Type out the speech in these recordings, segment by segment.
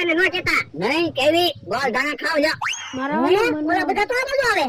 એને નો કહેતા. નહીં કેવી ગોળ ધાણા ખાવ લ્યો. મારા ઓલા બધા તો આ બાજુ આવે.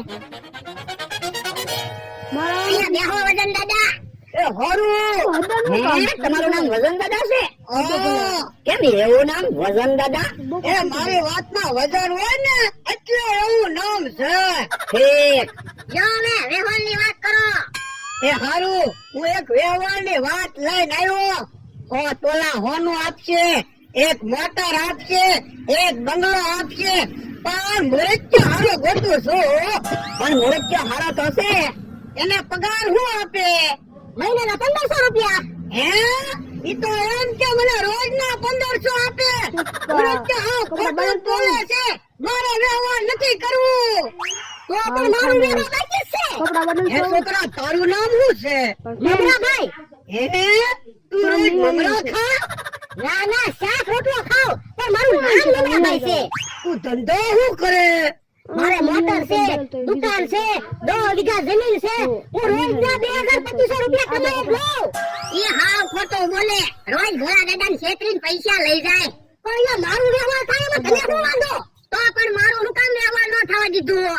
અહીંયા બેહો વજન દાદા. એ હોરું. તમારું નામ વજન દાદા છે? કેમ એવું નામ વજન દાદા? એ મારી વાતમાં વજન હોય ને એટલે એવું નામ છે. ઠીક. જો મે વ્યવહારની વાત કરો. એ હારું, હું એક વ્યવહારની વાત લઈને આવ્યો. ઓ તોલા હોનું આપશે, એક મોટર આપશે, એક બંગલો આપશે, પણ મૃત્યુ હારો ગોતું છું. પણ મૃત્યુ હારો થશે એને પગાર શું આપે? મહિનાના 1500 રૂપિયા. હે? ઈ તો એમ કે મને રોજના 1500 આપે. મૃત્યુ હા ખોટું બોલે છે. મારે વ્યવહાર નથી કરવું. તો પણ મારું વ્યવહાર બાકી છે. હે છોકરા, તારું નામ શું છે? મમરાભાઈ. હે? તું રોજ મમરા ખા? ના ના, શાક રોટલો ખાવ, પણ મારું નામ મમરાભાઈ છે. તું ધંધો શું કરે? મારે મોટર છે, દુકાન છે, 2 વીઘા જમીન છે. હું રોજના 2200 રૂપિયા કમાઈ લઉં. ઈ હાવ ખોટો બોલે. રોજ ભોળા દાદાને છેતરીને પૈસા લઈ જાય. પણ યા મારું વ્યવહાર થાય એમાં તને શું વાંધો? તો પણ મારું હુકામ વ્યવહાર ન થવા દીધું.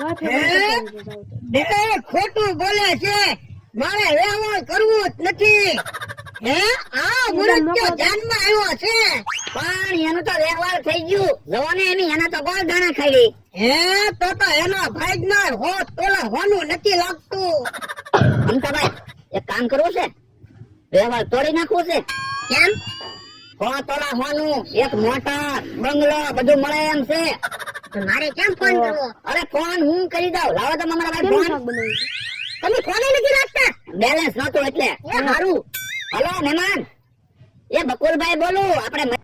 હે? ખોટું બોલે છે. મારે વ્યવહાર કરવું જ નથી. હે? આ મૃત્યુ ધ્યાનમાં આવ્યો છે. પણ એનું તો વ્યવહાર થઈ ગયું. જવાને એની એના તો ગોળ દાણા ખાઈ. હે? તો એનો ભાગનાર હોત તોલા હોનું નથી લાગતું. અમતાભાઈ, એક કામ કરવું છે. વ્યવહાર તોડી નાખવું છે. કેમ? 100 તોલા હોનું, એક મોટર, બંગલો બધું મળે એમ છે. મારે કેમ ફોન કરવો? અરે ફોન હું કરી દઉં. લાવો તો મારા ભાઈ ફોન. તમે ફોન નથી રાખતા? બેલેન્સ નહોતું એટલે. એ હારું. હલો મહેમાન, એ બકુલભાઈ બોલું. આપણે